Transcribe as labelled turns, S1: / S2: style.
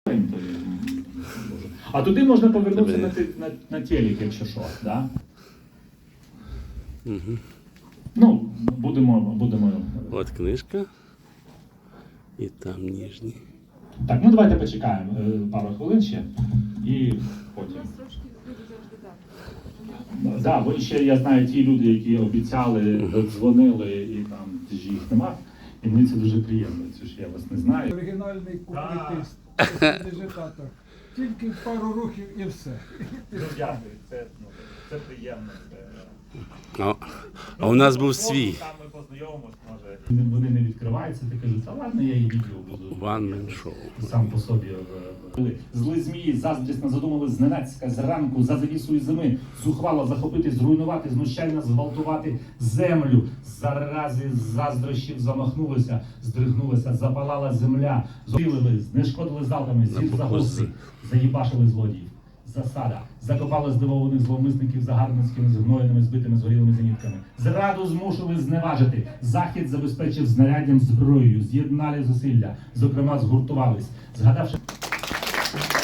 S1: А туди можна повернутися на телек, якщо що, да?
S2: Угу.
S1: Ну, будемо.
S2: От книжка. І там ніжні.
S1: Так, ну давайте почекаємо пару хвилин ще і потім.
S3: У нас трошки люди завжди так.
S1: Так, бо ще я знаю ті люди, які обіцяли, дзвонили і там їх нема. І мені це дуже приємно, це ж я вас не знаю.
S4: Оригінальний куплетист, дежитатор. Тільки пару рухів і все.
S1: Дякую, це приємно.
S2: А у нас був свій.
S1: Там ми познайомимось, може. Вони не відкриваються, ти кажуть, та ладно, я і відео буду.
S2: One-man show.
S1: Сам по собі. Зли змії заздрісно задумали зненацька зранку за завісою зими зухвало захопити, зруйнувати, знущально зґвалтувати землю. Зарази заздрощів замахнулися, здригнулися, запалала земля. Зрілили, знешкодили залпами, зір за гости, заїбашили злодіїв. Засада. Закопали здивованих зловмисників загарбницькими, згноєними, збитими, згорілими зенітками. Зраду змушили зневажити. Захід забезпечив знаряддям зброєю. З'єднали зусилля. Зокрема, згуртувались. Згадавши...